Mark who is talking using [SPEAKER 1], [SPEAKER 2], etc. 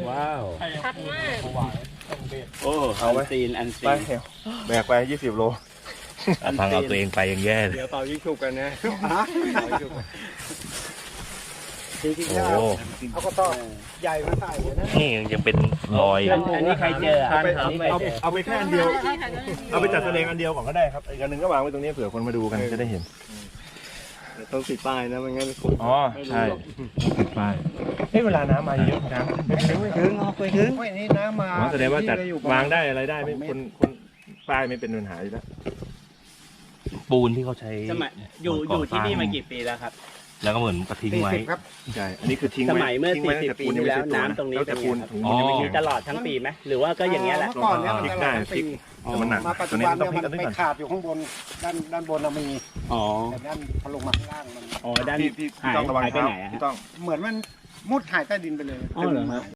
[SPEAKER 1] ว้าว
[SPEAKER 2] ชัดมาก
[SPEAKER 1] โอ้เอาไว้ซีนอันซี
[SPEAKER 3] ไป
[SPEAKER 1] น
[SPEAKER 3] เถอะแบกไป20 โล
[SPEAKER 4] ทางเอาตัวเองไปยังแย่เลย
[SPEAKER 5] เดี๋ยวเป่ายิงฉุบกันนะจริงๆ
[SPEAKER 4] โอ้
[SPEAKER 5] เขาก็ต้องใหญ่มาใส่นะ
[SPEAKER 4] นี่ยังเป็นรอย
[SPEAKER 1] อันนี้ใครเจออันนี้ใครเจอ
[SPEAKER 3] เอาไปแค่อันเดียว เอาไปจัดแสดงอันเดียวก่อนก็ได้ครับอีกอันหนึงก็วางไว้ตรงนี้เผื่อคนมาดูกันจะได้เห็น
[SPEAKER 5] ต้องติดป้ายนะไม่งั้น
[SPEAKER 3] อ๋อใช่ไปเวลาน้ำมาเยอะน้ำไม่ถึงไม่ถึง
[SPEAKER 5] ไม่นี่น้ำมา
[SPEAKER 3] แสดงว่าจัดวางได้อะไรได้ไม่คนป้ายไม่เป็นปัญหาอยู่แล้ว
[SPEAKER 4] ปูนที่เขาใช้
[SPEAKER 1] สมัยอยู่ที่นี่มากี่ปีแล้วครับ
[SPEAKER 4] แล้วก็เหมือนกระทิ้งไว้
[SPEAKER 5] ครับ
[SPEAKER 3] ใช่ อันนี้คือทิ้ง
[SPEAKER 1] ส
[SPEAKER 3] ไว้
[SPEAKER 1] มัยเมื่อ
[SPEAKER 3] ทิ้งไว้
[SPEAKER 1] 40 ปีที่แล้วน้ำตรงนี้
[SPEAKER 3] แต่ปูนถุง
[SPEAKER 4] อ๋อ
[SPEAKER 3] มันยังไม่
[SPEAKER 1] มี
[SPEAKER 3] มี
[SPEAKER 1] ตลอดทั้งปีไหมหรือว่าก็อย่างเงี้ยแหละ
[SPEAKER 5] เมื่อก่อนเนี่ยมัน
[SPEAKER 3] พลิก
[SPEAKER 5] ตล
[SPEAKER 3] ได้
[SPEAKER 5] อด
[SPEAKER 3] พลิ
[SPEAKER 5] ปี
[SPEAKER 3] กแต่มันหนัก
[SPEAKER 5] มาปัจ
[SPEAKER 3] ตั
[SPEAKER 5] จุ
[SPEAKER 3] วนี้
[SPEAKER 5] บัน
[SPEAKER 3] ต้อง
[SPEAKER 5] เนี่ย
[SPEAKER 3] พลิก
[SPEAKER 5] มัน
[SPEAKER 3] กันด้วย
[SPEAKER 5] ไป
[SPEAKER 3] ก่อน
[SPEAKER 5] ขาดอยู่ข้างบนด้านบนเรามี
[SPEAKER 1] อ๋อ
[SPEAKER 5] แต่ด้านพอลงมาข้างล่างมัน
[SPEAKER 1] อ๋อด้าน
[SPEAKER 3] พี่
[SPEAKER 1] หาย
[SPEAKER 3] ต้องระวัง
[SPEAKER 1] หายไป
[SPEAKER 3] เท้า
[SPEAKER 1] ไหนอะฮะ
[SPEAKER 3] พี่ต้อง
[SPEAKER 5] เหมือนมันมุดหายใต้ดินไปเลย
[SPEAKER 1] อ๋อเหรอครับ